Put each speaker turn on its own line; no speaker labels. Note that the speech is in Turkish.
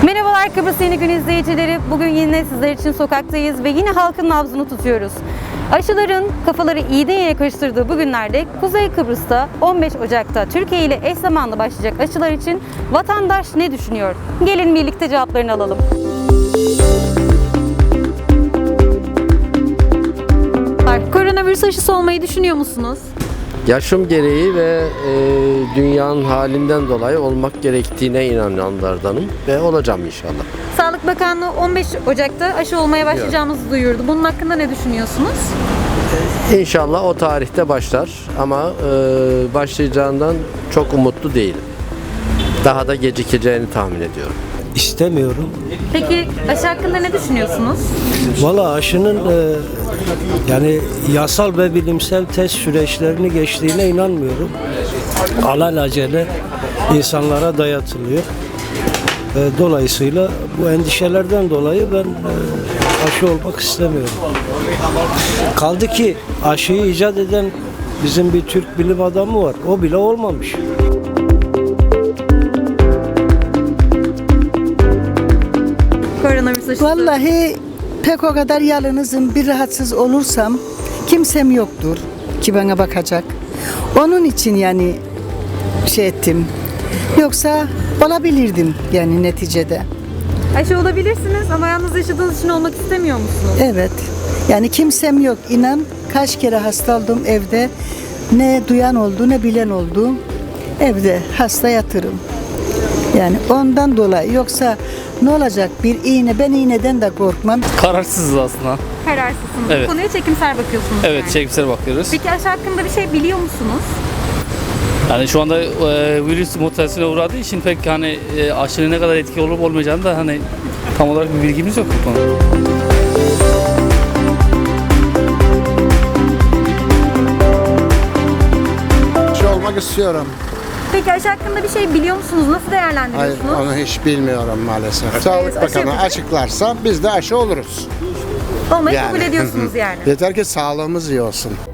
Merhabalar Kıbrıs Yeni Gün izleyicileri. Bugün yine sizler için sokaktayız ve yine halkın nabzını tutuyoruz. Aşıların kafaları iğneye karıştırdığı bu günlerde Kuzey Kıbrıs'ta 15 Ocak'ta Türkiye ile eş zamanlı başlayacak aşılar için vatandaş ne düşünüyor? Gelin birlikte cevaplarını alalım. Koronavirüs aşısı olmayı düşünüyor musunuz?
Yaşım gereği ve dünyanın halinden dolayı olmak gerektiğine inananlardanım ve olacağım inşallah.
Sağlık Bakanlığı 15 Ocak'ta aşı olmaya başlayacağımızı duyurdu. Bunun hakkında ne düşünüyorsunuz?
İnşallah o tarihte başlar ama başlayacağından çok umutlu değilim. Daha da gecikeceğini tahmin ediyorum.
İstemiyorum.
Peki aşı hakkında ne düşünüyorsunuz?
Valla aşının yani yasal ve bilimsel test süreçlerini geçtiğine inanmıyorum. Alelacele insanlara dayatılıyor. Dolayısıyla bu endişelerden dolayı ben aşı olmak istemiyorum. Kaldı ki aşıyı icat eden bizim bir Türk bilim adamı var. O bile olmamış.
Koronavirüs aşısı.
Vallahi pek o kadar yalnızım, bir rahatsız olursam kimsem yoktur ki bana bakacak. Onun için yani şey ettim. Yoksa olabilirdim yani neticede.
Aşı olabilirsiniz ama yalnız yaşadığınız için olmak istemiyor musunuz?
Evet. Yani kimsem yok. İnan kaç kere hasta oldum evde. Ne duyan oldu ne bilen oldu. Evde hasta yatırım. Yani ondan dolayı yoksa ne olacak bir iğne, ben iğneden de korkmam.
Kararsızız aslında.
Kararsızsınız.
Evet.
Bu konuya çekimser bakıyorsunuz.
Evet,
yani.
çekimsel bakıyoruz.
Peki aşı hakkında bir şey biliyor musunuz?
Yani şu anda virüs mutasyona uğradığı için pek hani aşının ne kadar etki olup olmayacağını da hani tam olarak bir bilgimiz yok bu konuda.
Olmak istiyorum.
Peki aşı hakkında bir şey biliyor musunuz? Nasıl
Hayır,
değerlendiriyorsunuz?
onu hiç bilmiyorum maalesef. Sağlık
aşı
Bakanı
yapacak.
açıklarsa biz de aşı oluruz.
Olmayı kabul ediyorsunuz yani.
Yeter ki sağlığımız iyi olsun.